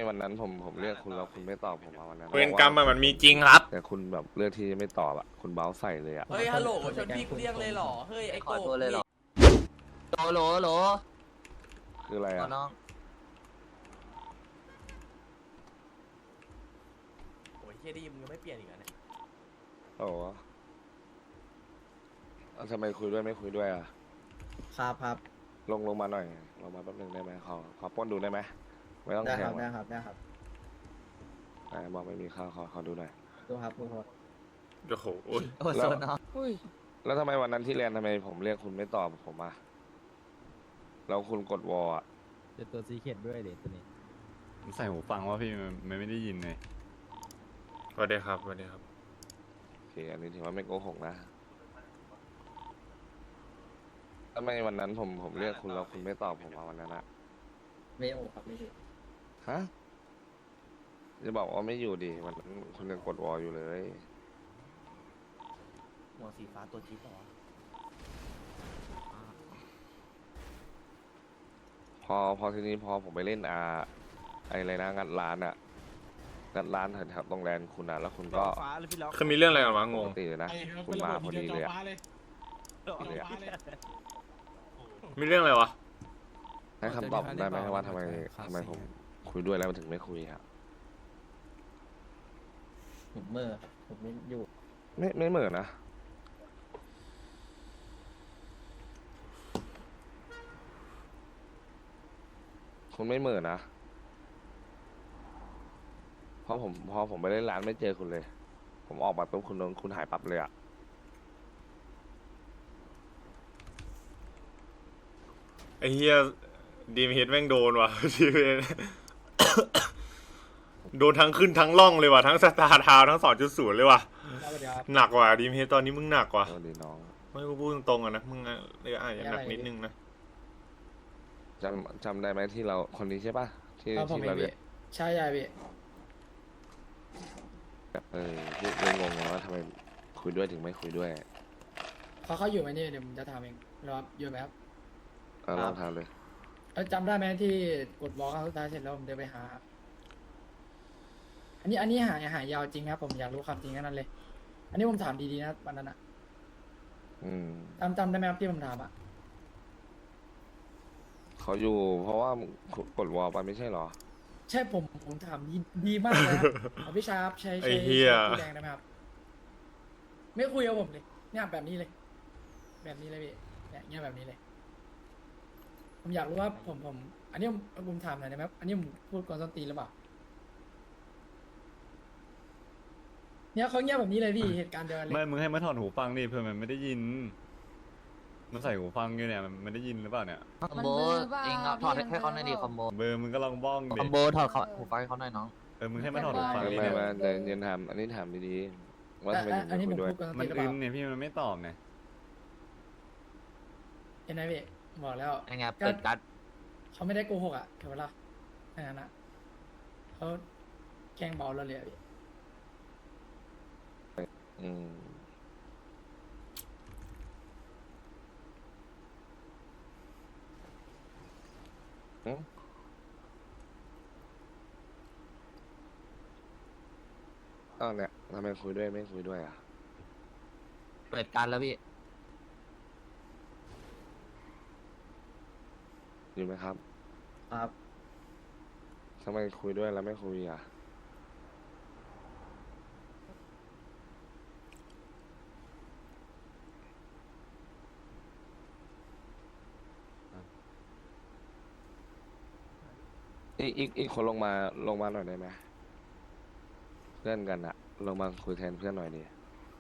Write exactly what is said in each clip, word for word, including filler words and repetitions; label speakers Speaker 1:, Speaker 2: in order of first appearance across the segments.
Speaker 1: วันนั้นผมผมเรียกคุณแล้วคุณไม่ตอบผมมาวันนั้น
Speaker 2: เวรกรรมอะมันมีจริงครับ
Speaker 1: แต่คุณแบบเลือกที่จะไม่ตอบอะคุณเบ้าใส่เลยอะ
Speaker 3: เฮ้ยฮัลโหลชนพี่กูเรียกเลยเหรอเฮ้ยไอ้
Speaker 4: ข
Speaker 3: โก
Speaker 4: อตัวเลยเหรอโหลโหลโหล
Speaker 1: คืออะไร
Speaker 4: ขอ
Speaker 1: อะ
Speaker 4: น้อง
Speaker 3: โอ้ยเฮียดีมึงยังไม่เปลี่ยนอีกแล้วเนี่ย
Speaker 1: โอ้โหเอาทำไมคุยด้วยไม่คุยด้วยอะ
Speaker 5: ครับครับ
Speaker 1: ลงลงมาหน่อยลงมาแป๊บนึงได้ไหมขอขอปล้นดูได้ไหมไม่ต้อง
Speaker 5: ได้
Speaker 1: แท
Speaker 5: ครั
Speaker 1: ง
Speaker 5: บ
Speaker 1: หร
Speaker 5: ได้
Speaker 1: อก
Speaker 5: ครับได้ครับ
Speaker 1: อ่าบอกไม่มีข้าวขอขอดูหน่อย
Speaker 5: ดูครับดูครับ
Speaker 2: โอ้โห
Speaker 4: โอ้
Speaker 1: แล้
Speaker 4: โซ
Speaker 1: ว
Speaker 4: นน้อง
Speaker 1: แล้วทำไมวันนั้นที่เรียนทำไมผมเรียกคุณไม่ตอบผมอะแล้วคุณกดวอลอะ
Speaker 6: เป็นตัวซีเคทด้วยเด็ตัวนี้
Speaker 7: ใส่หูฟังว่าพี่มันมันไม่ได้ยินเลย
Speaker 2: สวัสดีครับสวัสดีครับ
Speaker 1: โอเคอันนี้ถือว่าไม่โกหกนะทำไมวันนั้นผมผมเรียกคุณแล้วคุณไม่ตอบผมมาวันนั้นอะ
Speaker 5: ไม่โอ้ครับไม่ใช่
Speaker 1: ฮะจะบอกว่าไม่อยู่ดิวันนั้นคุณยังกดวอลอยู่เลย
Speaker 3: หัวสีฟ้าตัวจี๊ดเหรอ
Speaker 1: พอพอทีนี้พอผมไปเล่นอาไออะไรนะงัดร้านอะงัดร้านแถวๆตรงแลนด์คุณอะแล้วคุณก็
Speaker 2: คือมีเรื่องอะไรกันวะง
Speaker 1: ป
Speaker 2: ง
Speaker 1: กติเลยนะคุณมาพอดีเลยอะ เลยอะ
Speaker 2: มีเรื่องอะไรวะ
Speaker 1: ให้คำตอบผมได้ไหมว่าทำไมทำไมผมคุยด้วยแล้วมันถึงไม่คุยครับ
Speaker 5: ผมเมื่อครับผมไม่อยู่
Speaker 1: ไม่ไม่เหมือนนะคุณไม่เหมือนนะเพราะผมพอผมไปเล่นร้านไม่เจอคุณเลย ผมออกมาปุ๊บคุณโดนคุณหายปั๊บเลยอะ
Speaker 2: ไอ้เฮียดีมเฮดแม่งโดนว่ะ ดีมเฮด โดนทั้งขึ้นทั้งล่องเลยว่ะทั้งสตาร์ทาวทั้งสองจุดศูนย์เลยว่ะ
Speaker 5: สวัสดีครับ
Speaker 2: หนักว่ะดีมเฮดตอนนี้มึงหนักว่ะ
Speaker 1: สวัสดีน้อง
Speaker 2: ไม่กูพูดตรงๆอะนะมึงอะเลยอาจจะหนักนิดนึงนะ
Speaker 1: จำจำได้ไหมที่เราคนนี้ใช่ปะที่
Speaker 5: ครับผม
Speaker 1: ที่
Speaker 5: เอ
Speaker 1: เรา
Speaker 5: ง
Speaker 1: เรี
Speaker 5: พี่
Speaker 1: ยก
Speaker 5: ใช่ใช่พี่
Speaker 1: เออที่เลยงงไงว่าทำไมคุยด้วยถึงไม่คุยด้วย
Speaker 5: เขาเขาอยู่ไหมเนี่ยเดี๋ยวผมจะถามเองรอครับอยู่ไหมครับ
Speaker 1: เออลองทำเลย
Speaker 5: เอ้ยจำได้ไหมที่กดบล็อกครั้งสุดท้ายเสร็จแล้วผมเดินไปหาครับอันนี้อันนี้หายหายยาวจริงครับผมอยากรู้ความจริงแค่นั้นเลย อันนี้ผมถามดีๆนะวันนั้นอะ
Speaker 1: อืม
Speaker 5: จำจำได้ไหมครับที่ผมถามอะ
Speaker 1: เขาอยู่ เพราะว่ากดวอลไปไม่ใช่เหรอ
Speaker 5: ใช่ผมผมถามดีดีมากเลยครับเอาพี่ชาร์ปใช้
Speaker 2: ไอ้
Speaker 5: ใช้
Speaker 2: เหี้ย
Speaker 5: ใช้สีแดงได้ไหมครับไม่คุยกับผมเลยเนี่ยแบบนี้เลย แบบนี้เลยพี่เนี่ยเงี้ยแบบนี้เลย ผมอยากรู้ว่าผมผม อันนี้ผมผมถามหน่อยได้ไหมครับอันนี้ผมพูดก่อนส้นตีนหรือเปล่าเนี่ยเขาเงียบแบบนี้เลยพี่เหตุการณ์เดียวกันเล
Speaker 7: ไม่
Speaker 5: ย
Speaker 7: มึงให้มาถอดหูฟังดิเพื่อมันไม่ได้ยิน มันใส่หูฟังอยู่เนี่ยมันไม่ได้ยินหรือเปล่าเนี่ย
Speaker 4: คอมโบเองเอาถอดให้เขาหน่อยดิคอมโบ
Speaker 7: เบอร์มึงก็ลองบ้อง
Speaker 4: ค
Speaker 7: ดิ
Speaker 4: อมโบถอดเขาหูฟังให้เขาหน่อยน้อง
Speaker 7: เออมึงให้มาถอดหูฟัง
Speaker 1: ไม่
Speaker 7: ดิ
Speaker 1: ไม่
Speaker 7: เนี่ย
Speaker 1: ไม่แต่เย็นถามอันนี้ถามดีๆว่าทำไม
Speaker 5: อ่ะ
Speaker 1: ถึง
Speaker 5: อัน
Speaker 1: ไม่
Speaker 5: นี้
Speaker 1: คุ
Speaker 5: ผม
Speaker 1: ยด้วย
Speaker 5: พูดก่อนส้น
Speaker 7: มั
Speaker 5: ตี
Speaker 7: น
Speaker 5: นหรือเป
Speaker 7: อึ
Speaker 5: ล่าม
Speaker 7: เนี่ยพี่มันไม่ตอบเนี่ย
Speaker 5: เห็นไหมพี่บอกแล้ว
Speaker 4: ยังไงเปิดการ์ด
Speaker 5: เขาไม่ได้โกหกอ่ะเห็นไหมล่ะแค่นั้นนะเขาแกล้งเบาเราเลยอะพี่
Speaker 1: อืมอืมอ้าวเนี่ยทำไมคุยด้วยไม่คุยด้วยอ่ะ
Speaker 4: เปิดการ์ดแล้วพี่
Speaker 1: อยู่ไหมครับ
Speaker 5: ครับ
Speaker 1: ทำไมคุยด้วยแล้วไม่คุยอ่ะ อีกอีกอีกคนลงมาลงมาหน่อยได้ไหมเพื่อนกันอะลงมาคุยแทนเพื่อนหน่อยดิ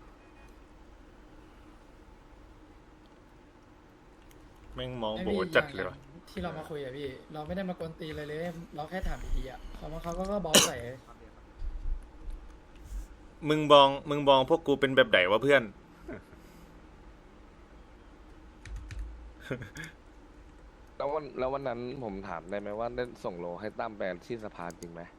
Speaker 2: แม่งมอง
Speaker 5: ไม่
Speaker 2: โบ
Speaker 5: พี่
Speaker 2: จัด
Speaker 5: อย่าง
Speaker 2: เลยว่ะ
Speaker 5: ที่เรามาคุยอะพี่ เราไม่ได้มากวนตีนเลยเลย เราแค่ถามดีๆอะเขามาเขาก็ก็บอสใส่
Speaker 2: มึงบองมึงบองพวกกูเป็นแบบไหนวะเพื่อน
Speaker 1: แล้ววันแล้ววันนั้นผมถามได้ไหมว่าได้ส่งโลให้ตั้มแปลที่สภาจริงไหม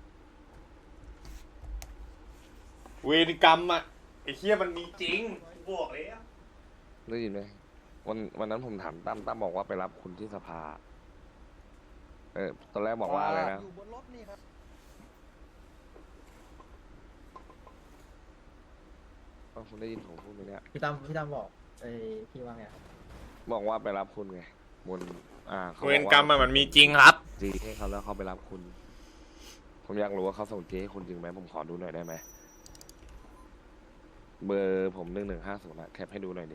Speaker 2: เวรกรรมอะไอ้เฮียมันมีจริงกูบอกเลยอะ
Speaker 1: ได้ยินไหมวันวันนั้นผมถามตั้มตั้มบอกว่าไปรับคุณที่สภา เออตอนแรกบอกว่าอะไรนะ
Speaker 8: อยู่บนรถนี่ครับ
Speaker 1: ว่าคุณได้ยินผมพูดไหมเนี่ย
Speaker 8: พี่ตั้มพี่ตั้มบอกไอ้พี่ว่าไงครับ
Speaker 1: บอกว่าไปรับคุณไงบนอ่าขา
Speaker 2: เว
Speaker 1: บ
Speaker 2: ร
Speaker 1: อก
Speaker 2: กรรม
Speaker 1: ว่า
Speaker 2: อะมันมีจริงครับ
Speaker 1: จีให้เขาแล้วเขาไปรับคุณ ผมอยากรู้ว่าเขาส่งจีให้คุณจริงไหมผมขอดูหน่อยได้ไหมเบอร์ผมหนึ่งหนึ่งห้าศูนย์อะแคปให้ดูหน่อยดิ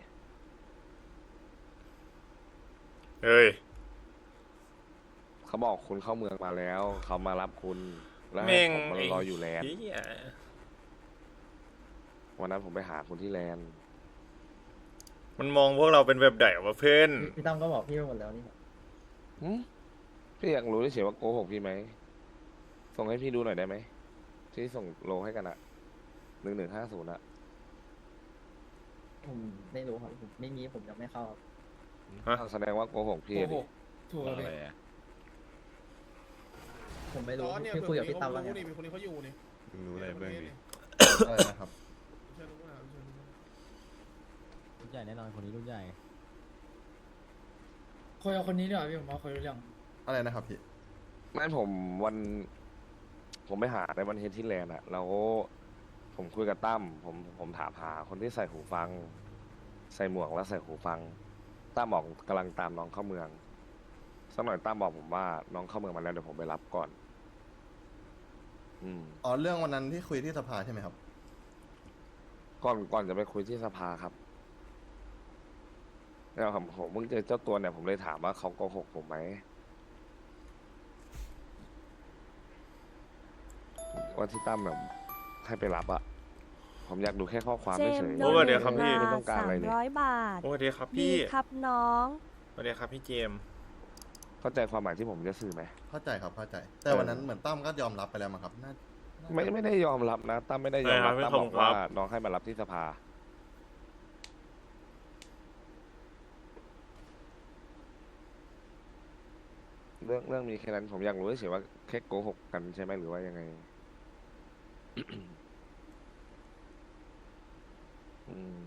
Speaker 2: เฮ้ย
Speaker 1: เขาบอกคุณเข้าเมืองมาแล้วเขามารับคุณแล้ว
Speaker 2: แม่
Speaker 1: ให้
Speaker 2: ง
Speaker 1: ผมมารออยู่แลนด์
Speaker 2: เหี้ย
Speaker 1: วันนั้นผมไปหาคุณที่แลนด์
Speaker 2: มันมองพวกเราเป็นแบบไหนวะเพื่อน
Speaker 8: พี่พี่ตั้มก็บอกพี่ไปหมดแล้วนี่ครับ
Speaker 1: หึพี่อยากรู้เฉยๆว่าโกหกพี่ไหมส่งให้พี่ดูหน่อยได้ไหมที่ส่งโลให้กันอะหนึ่งหนึ่งห้าศูนย์อะ
Speaker 8: ผมไม่รู้ครับผมไม่มีผมยังไม่เข้าครับ
Speaker 2: ฮะ
Speaker 1: แสดงว่าโกหกพี่
Speaker 5: โอ้
Speaker 1: อะ
Speaker 5: โห
Speaker 1: ดิ
Speaker 5: ถูก
Speaker 7: อะ
Speaker 5: เล
Speaker 7: ไร
Speaker 5: ย
Speaker 7: อะ
Speaker 8: ผมไม่รู้
Speaker 9: ตอนเนี่ย
Speaker 8: พี่คุยกับพี่ตั้มว่าไง
Speaker 9: มีคนนี้เขาอยู่นี่
Speaker 7: มึงรู้อะไรเบื้องดิ
Speaker 9: อะไรนะครับเชิญรู้นะเชิญรู้นะ
Speaker 6: รุ่นใหญ่แน่นอนคนนี้รุ่นใหญ่
Speaker 5: คุยกับคนนี้ดีกว่าพี่ผมว่าคุยรู้เรื่อง
Speaker 9: อะไรนะครับพี่
Speaker 1: ไม่ผมวัน ผมไปหาในวันเฮดที่แลนด์อะแล้วผมคุยกับตั้มผมผมถามหาคนที่ใส่หูฟัง ใส่หมวกแล้วใส่หูฟังตั้มบอกกำลังตามน้องเข้าเมืองสักหน่อยตั้มบอกผมว่าน้องเข้าเมืองมาแล้วเดี๋ยวผมไปรับก่อน อืม
Speaker 9: อ๋อเรื่องวันนั้นที่คุยที่สภาใช่ไหมครับ
Speaker 1: ก่อนก่อนจะไปคุยที่สภาครับแล้วผมผมเพิ่งเจอเจ้าตัวเนี่ยผมเลยถามว่าเขาโกหกผมไหมว่าที่ตั้มแบบให้ไปรับอะผมอยากดูแค่ข้อความไม่เฉย
Speaker 2: โอ้เดี๋ยวครับพี่
Speaker 1: ไม่ต้องการอะไรเลย
Speaker 10: ร้อยบาท
Speaker 2: สวัสดีครับ
Speaker 10: ดี
Speaker 2: พี่
Speaker 10: ครับน้อง
Speaker 2: สวัสดีครับพี่เจมส์
Speaker 1: เข้าใจความหมายที่ผมจะสื่อไหม
Speaker 9: เข้าใจครับเข้าใจ แต่วันนั้นเหมือนตั้มก็ยอมรับไปแล้วมั้งครับน่า
Speaker 1: ไม่ไม่ได้ยอมรับนะตั้มไม่ได้ยอมรับตั้มบอกว่าน้องให้มารับที่สภาเรื่องเรื่องมีแค่นั้นผมอยากรู้เฉยๆว่าแค่โกหกกันใช่ไหมหรือว่ายังไง อืม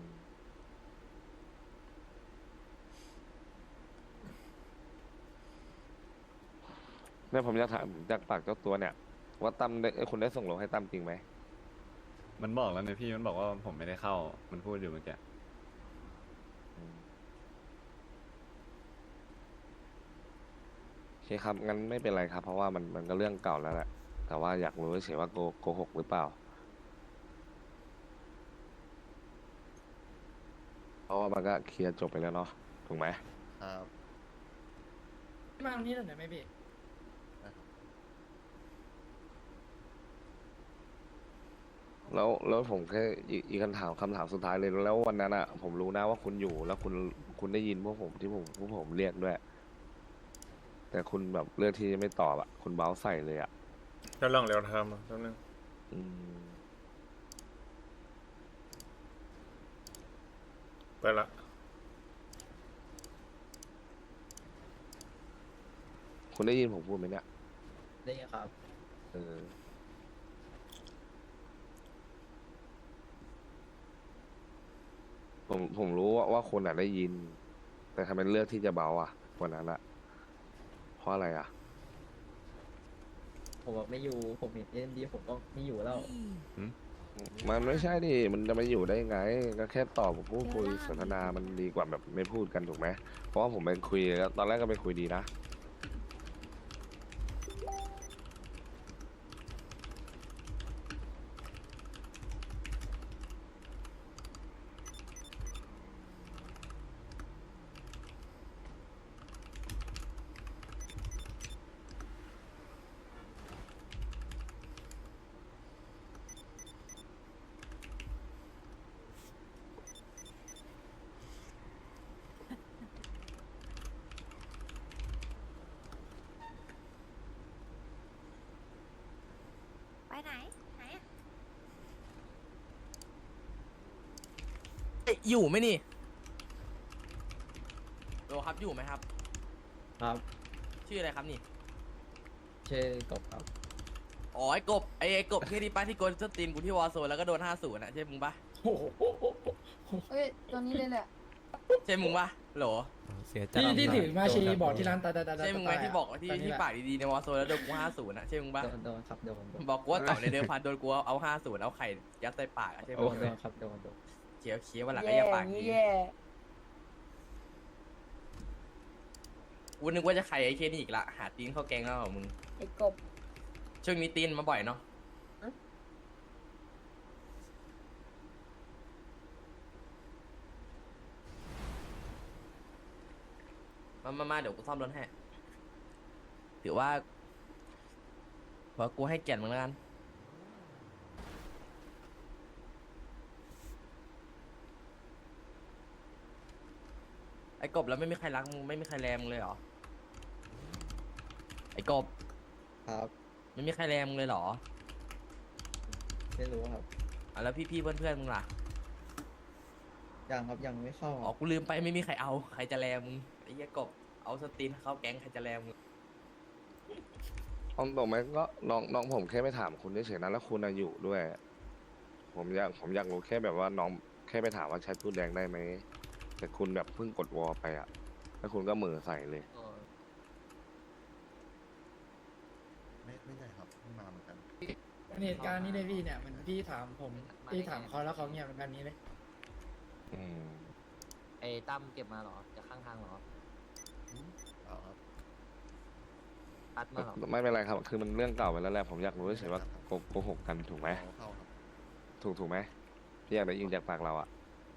Speaker 1: เนี่ยผมอยากถามจากปากเจ้าตัวเนี่ย ว่าตั้มได้เอ้ยคุณได้ส่งโลให้ตั้มจริงไหม
Speaker 7: มันบอกแล้วนะพี่มันบอกว่าผมไม่ได้เข้า มันพูดอยู่เมื่อกี้
Speaker 1: อืมโอเคครับงั้นไม่เป็นไรครับ เพราะว่ามันมันก็เรื่องเก่าแล้วแหละแต่ว่าอยากรู้เฉยๆว่าโกโกหกหรือเปล่า เพราะว่ามันก็เคลียร์จบไปแล้วเนาะถูกไหม
Speaker 9: ครับ
Speaker 5: มาตรงนี้หน่อยได้ไหมพี่
Speaker 1: แล้วแล้วผมแค่อีกอีกคำถามคำถามสุดท้ายเลยแล้ววันนั้นอะผมรู้นะว่าคุณอยู่แล้วคุณคุณได้ยินพวกผมที่ผมพวกผมเรียกด้วย แต่คุณแบบเลือกที่จะไม่ตอบอะคุณเบ้าใส่เลยอะ
Speaker 2: แล้วลองเร็วทำอ่ะแป๊บนึง
Speaker 1: อืม
Speaker 2: ไปละ
Speaker 1: คุณได้ยินผมพูดไหมเนี่ย
Speaker 8: ได้ไงครับ
Speaker 1: เออผมผมรู้ว่าว่าคนอะได้ยิน แต่ทำไมเลือกที่จะเบาอะวันนั้นอะเพราะอะไรอะ
Speaker 8: ผมบอกไม่อยู่ผมเห็นเอ็มดีผมก็ไม่อยู่แล้ว
Speaker 1: มันไม่ใช่ดิมันจะมาอยู่ได้ไง ก็แค่ตอบพูดคุยสนทนามันดีกว่าแบบไม่พูดกันถูกไหมเพราะว่าผมไปคุยแล้วตอนแรกก็ไปคุยดีนะ
Speaker 10: ไปไหน ไหนอะ
Speaker 3: เอ้ยอยู่ไหมนี่โลครับอยู่ไหมครับ
Speaker 8: ครับ
Speaker 3: ชื่ออะไรครับนี่
Speaker 8: ชื่อกบครับ
Speaker 3: อ๋อไอ้กบไอ้ไอ้กบที่นี่ป้าที่โกนสตรีมกูที่วอร์โซนแล้วก็โดนห้าศูนย์อ่ะใช่มึงปะ
Speaker 5: โอ้โห
Speaker 10: เอ้ย ตัวนี้เลยแหละ
Speaker 3: ใช่มึงปะโหล
Speaker 6: เสียใจ
Speaker 5: ที่ที่ถือมาชีบอกที่ร้านตาตาตาตา
Speaker 3: ใช่มึงไหมที่บอกที่
Speaker 5: ตนนี้
Speaker 3: ที่
Speaker 5: แหละ
Speaker 3: ปากดีๆในวอร์โซนแล้วโดนกูห้าศูนย์อ่ะใช่มึงปะ
Speaker 8: โดนโดนครับโดนโดน
Speaker 3: บอกกูว่าเก่าในเดิมพันโดนกูเอาห้าศูนย์เอาไข่ยัดใส่ปากอ่ะใช่
Speaker 8: โด
Speaker 3: มึง
Speaker 8: นโดนครับโดนโดน
Speaker 3: โอเควันหลังก็
Speaker 10: แย่
Speaker 3: อย่า
Speaker 10: อ
Speaker 3: ปาก
Speaker 10: ย่างนี้
Speaker 3: ดี
Speaker 10: แย่
Speaker 3: กูนึกว่าจะใครไอ้เคนี่อีกละหาตีนเข้าแกงแล้วเหรอมึง
Speaker 10: ไอ้กบ
Speaker 3: ช่วงนี้ตีนมาบ่อยเนาะมามามาเดี๋ยวกูซ่อมรถให้ถือว่าเพราะกูให้เกียรติมึงแล้วกันไอ้กบแล้วไม่มีใครรักมึงไม่มีใครแรงมึงเลยเหรอไอ้กบ
Speaker 8: ครับ
Speaker 3: ไม่มีใครแรงมึงเลยเหรอ
Speaker 8: ไม่รู้ครับ
Speaker 3: อ่ะแล้วพี่ๆเพื่อนๆมึงล่ะ
Speaker 8: ยังครับยังไม่เข้า
Speaker 3: อ๋อกูลืมไปไม่มีใครเอาใครจะแรงมึงไอ้เหี้ยกบเอาสตรีนเข้าแก๊งใครจะแรงมึง
Speaker 1: เอาตรงไหมก็น้องน้องผมแค่ไปถามคุณเฉยๆนะแล้วคุณอะอยู่ด้วย ผมอยากผมอยากรู้แค่แบบว่าน้องแค่ไปถามว่าใช้พูดแรงได้ไหมแต่คุณแบบเพิ่งกดวอลไปอะแล้วคุณก็เหมือใส่เลย
Speaker 9: ไม่ไม่ใช่ครับเพิ่งมาเหมือนกัน
Speaker 5: เหตุการณ์นี้เลยพี่เนี่ยมันพี่ถามผมพี่ถามเขาแล้วเขาเงียบแบบนี้เลย
Speaker 1: อืม
Speaker 4: ไอ้ตั้มเก็บมาเหรอจากข้างทางเหรอ
Speaker 9: เอาครับ
Speaker 4: อัดมาเหรอ
Speaker 1: ไม่เป็นไรครับ คือมันเรื่องเก่าไปแล้วแหละผมอยากรู้เฉยๆว่าโกโกหกกันถูกไหม
Speaker 9: เอาเข้าครับ
Speaker 1: ถูกถูกไหมพี่อยากได้ยินจากปากเราอะ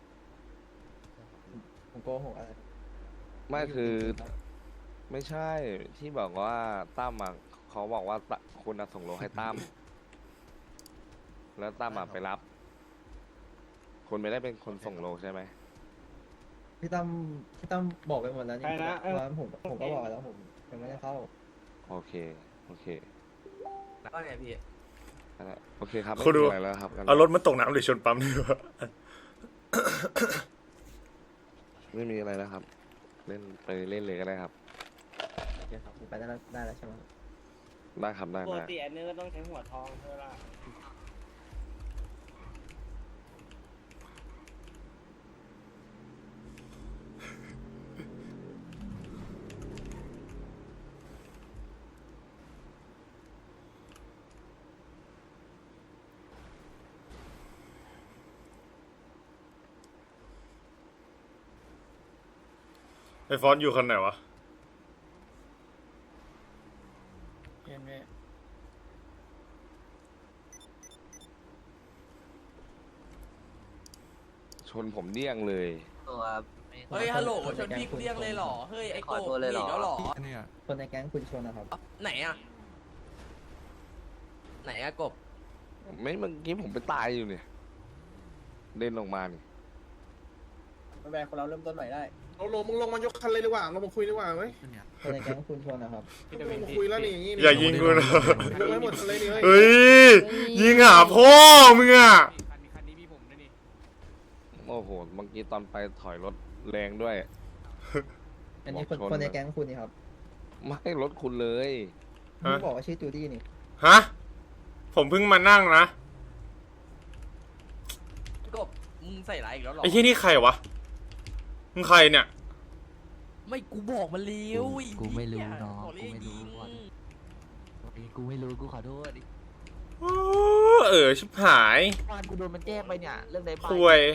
Speaker 8: ผมโกหกอะไร
Speaker 1: ไม่คือไม่ใช่ที่บอกว่าตั้มอะเขาบอกว่าตะคุณอะส่งโลให้ตั้มแล้วตั้มอะไปรับ คุณไม่ได้เป็นคนส่งโลใช่ไหม
Speaker 8: พี่ตั้มพี่ตั้มบอกไปหมดแล้วนี่
Speaker 2: ใครนะเอ้ย
Speaker 8: ว่าผมผมก็บอกไปแล้วผมยังไม่ได้เข้า
Speaker 1: โอเคโอเค
Speaker 3: แล้วก็ไงพี่
Speaker 1: นั่นแหละโอเคครับไม่
Speaker 2: คุณดู
Speaker 1: มีอะไรแล้วครับงั้น
Speaker 2: เอารถมาตกน้ำหรือชนปั๊มดีกว่า
Speaker 1: ไม่มีอะไรแล้วครับ เล่นไปเล่นเลยก็ได้ครับ
Speaker 8: โอเคครับไปได้แล้วได้แล้วใช่ไหม
Speaker 1: ได้ครับได้
Speaker 11: ปก
Speaker 1: ได้
Speaker 11: ติอันนี้ก็ต้องใช้หัวทองใช่ไหมล่ะ
Speaker 2: ไอ้ฟอนต์อยู่คันไหนวะ
Speaker 5: เห็นไหม
Speaker 1: ชนผมเดี่ยงเลย
Speaker 4: ตัวไม่
Speaker 3: เฮ้ยฮัลโหลชนพี่กูเรียกเลยเหรอเฮ้ยไอ้กบ
Speaker 4: ขอตัวเลยเหรอ
Speaker 3: หนีแล้วเหรอ
Speaker 6: เนี่ย
Speaker 8: คนในแก๊งคุณชวนนะครับ
Speaker 3: ไหนอะไหนอะกบ
Speaker 1: ไม่เมื่อกี้ผมไปตายอยู่เนี่ยเล่นลงมานี่
Speaker 11: ไม่เป็นไรคนเราเริ่มต้นใหม่ได้
Speaker 12: เอาลงมึงลงมายกคันเลยดีกว่าเรามาคุยดีกว่าเว้ย
Speaker 8: คนในแก๊งคุณชวนนะครับ
Speaker 12: ลงมาคุยแล้วนี่อย่างงี้
Speaker 2: อย่ายิงกูนะ
Speaker 12: ยกไว้หมดคันเลยนี่เฮ้ย
Speaker 2: เฮ้ย ยิงหาพ่อมึงอ่ะ
Speaker 1: โอ้โหเมื่อกี้ตอนไปถอยรถแรงด้วย
Speaker 8: อันนี้คน
Speaker 1: บอกชน
Speaker 8: คนในแก๊งคุณนี่ครับ
Speaker 1: ไม่รถคุณเลย
Speaker 2: ฮะ
Speaker 8: คุณบอกว่าชื่อจูดี้นี่
Speaker 2: ฮะ ผมเพิ่งมานั่งนะ
Speaker 3: กบมึงใส่ร้ายอีกแล้วเหรอ
Speaker 2: ไอ้ที่นี่ใครวะ มึงใครเนี่ย
Speaker 3: ไม่กูบอกมันเลี้ยว
Speaker 4: กูไม่รู้น้อง
Speaker 3: บก
Speaker 4: กู
Speaker 3: เรีย
Speaker 4: ไม่รู้
Speaker 3: ยิง
Speaker 4: ก่อนกูไม่รู้กูขอโทษดิ
Speaker 2: โอ้เออชิบหาย
Speaker 4: วานกูโดนมันแจ้งไปเนี่ยเรื่องใดบ้าง
Speaker 2: คุย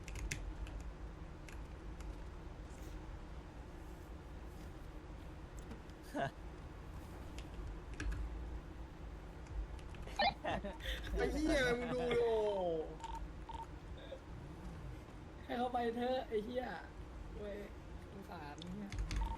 Speaker 12: ไอ้เหี้ยมึงดูโอ้
Speaker 5: ให้เขาไปเถอะไอ้เหี้ยเว้ยสงสารเนี่ย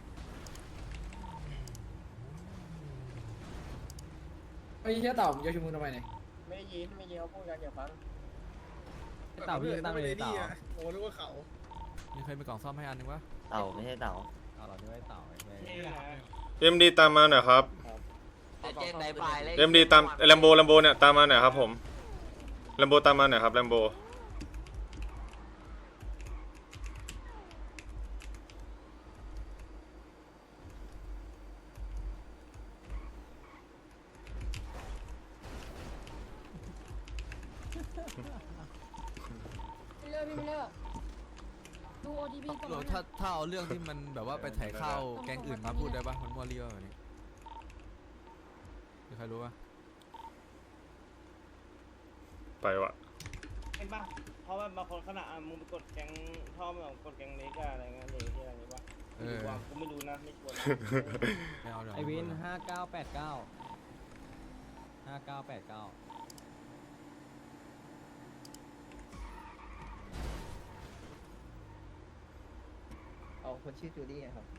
Speaker 5: ไอ้เหี้ยเต่ามึงจะชุมนุมทำไมเนี่ย
Speaker 11: ไม่ได้ยินไม่ยินเขาพูดกันอย่าฟัง
Speaker 6: เต่าพี่ตั้งเลยเต่า
Speaker 12: โอ้นึกว่าเขา
Speaker 6: มีเคยมีกล่องซ่อมให้อันนึงวะ
Speaker 8: เต่าไม่ใช่เต่า
Speaker 6: เอาเหรอที่ว่าเต่าไอ้แม่
Speaker 11: นี่นะ
Speaker 2: เอ็มดีตามมาหน่อยครับ
Speaker 4: จะแจ้งใดบ้างเลย
Speaker 2: เอ็มดีตามแลมโบแลมโบเนี่ยตามมาหน่อยครับผมแลมโบตามมาหน่อยครับแลมโบ
Speaker 10: ไม่เลิกพี่ไม่เลิกดูโอทีพีก่อน
Speaker 6: หรอถ้าถ้าเอาเรื่องที่มันแบบว่าไปถ่ายข้าวแก๊งอื่นมาพูดได้ปะมันมัวเรียวแบบนี้มีใครรู้ปะ
Speaker 2: ไปวะ
Speaker 11: เห็นป่ะพอราะว่าบางคนขนาดอ่ะมึงไปกดแกงชอบแบบกดแกงเล็กอะอะไรเงี้ยเลยที่อะไรวะ
Speaker 6: เออ
Speaker 11: ว่ากูไม่รู้นะไม่ชวนนะ
Speaker 6: ไม่เอาเดี๋ยว
Speaker 4: ไอวินห้าเก้าแปดเก้าห้าเก้าแปดเก้า
Speaker 8: เอาคนชื่อจูดี้ไงครับ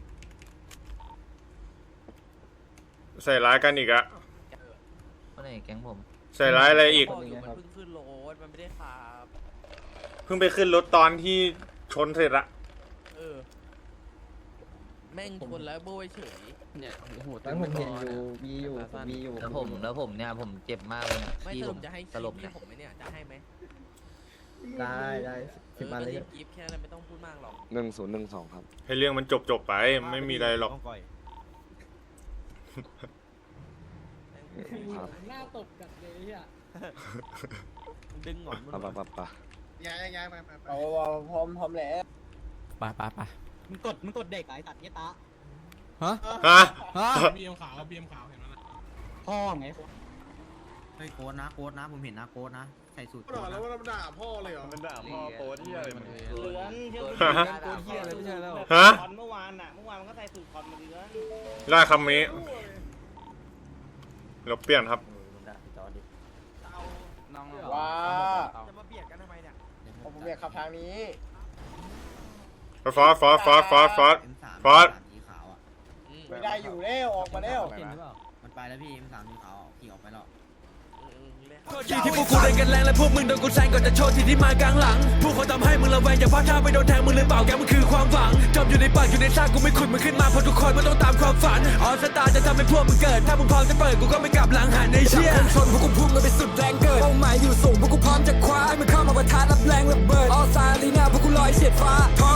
Speaker 2: ใส่ร้ายกันอีกอะ
Speaker 4: คนไหนแก๊งผม
Speaker 2: ใส่ร้ายอะไรอีก
Speaker 3: บอกอยู่มันเพิ่งขึ้นรถมันไม่ได้ขับ
Speaker 2: เพิ่งไปขึ้นรถตอนที่ชนเสร็จอะ
Speaker 3: เออ แม่งชนแล้วโบยเฉย
Speaker 6: เนี่ยโอ้โห
Speaker 8: แล้วผมเห็นอยู่มีอยู่ผมมีอยู่
Speaker 4: แล้วผมแล้วผมเนี่ยผมเจ็บมากเลยเนี่ย
Speaker 3: ไม่
Speaker 4: พี่
Speaker 3: ส
Speaker 4: ผ
Speaker 3: รุ
Speaker 4: ม
Speaker 3: ปจะให้
Speaker 4: สลบ
Speaker 3: คลิ
Speaker 4: เนี่
Speaker 3: ป
Speaker 4: ย
Speaker 3: ผมไหมเนี่ย จะให้ไหม
Speaker 8: ได้ได้
Speaker 3: เอ
Speaker 8: สิบ
Speaker 3: อ
Speaker 8: มา
Speaker 3: ก็
Speaker 8: เลย
Speaker 3: รีบกิฟแค่นั้นไม่ต้องพูดมากหรอก
Speaker 1: หนึ่งศูนย์หนึ่งสองครับ
Speaker 2: ให้เรื่องมันจบจบๆไปไม่มีอะไรหรอก
Speaker 1: ครับ
Speaker 5: หน้าตบกันเลยเฮีย
Speaker 3: ดึงหงอนมึง
Speaker 1: ปะปะปะปะ
Speaker 12: ย้ายย้ายย้ายไปไปไป
Speaker 11: เอาเอาพร้อมพร้อมแล้ว
Speaker 6: ไปไปไป
Speaker 4: มึงกดมึงกดเด็กไอ้ตัดเงี้ยตา
Speaker 6: ฮะ
Speaker 2: ฮะ
Speaker 6: ฮะ
Speaker 12: บีเอ็มขาวบีเอ็มขาวเห็นไหมล่ะ
Speaker 4: พ่อไง
Speaker 11: เฮ้ยโค้ดนะโค้ดนะผมเห็นนะโค้ดนะใส่สูตร
Speaker 12: ก็หรอแล้วว่าเราด่าพ่อเลยเหรอ
Speaker 7: มันด่าพ่อโป๊ที่อะไรมัน
Speaker 11: เหลือนเชื่อ
Speaker 2: ฮะ
Speaker 6: โคตรเฮียเลยไม่ใช่แล้ว
Speaker 2: ฮะ
Speaker 11: คอนเมื่อวานอะเมื่อวานมันก็ใส่สูตรคอนมาเดือน
Speaker 2: ได้คำนี้เราเปลี่ยนครับ
Speaker 11: ว้า
Speaker 3: จะมาเบียดกันทำไมเนี่ย
Speaker 11: ผมอยากขับทางนี้
Speaker 2: ฟอสฟอสฟอสฟอสฟอสฟอส
Speaker 11: ไม่ได้อยู่แล้วออกมาแล้ว
Speaker 1: เห็นหรือเปล่า
Speaker 11: มันไปแล้วพี่ เอ็ม สาม สีขาวขี่ออกไปแล้ว
Speaker 6: ที่ที่พวกกูเล่นกันแรงและพวกมึงโดนกูแซงก่อนจะโชว์ที่ที่มากลางหลังพวกเขาทำให้มึงระแวงอย่าพลาดท่าไปโดนแทงมึงหรือเปล่าแกมันคือความหวังจมอยู่ในปากอยู่ในซากกูไม่ขุดมึงขึ้นมาเพราะทุกคนมันต้องตามความฝันออสตาจะทำให้พวกมึงเกิดถ้ามึงพร้อมจะเปิดกูก็ไม่กลับหลังหันในเชี่ยชนพวกกูพุ่งกันไปสุดแรงเกิดเป้าหมายอยู่สูงพวกกูพร้อมจะคว้าให้มึงเข้ามาประทะรับแรงระเบิดออสตาลีน่าพวกกูลอยเฉียดฟ้าท้อง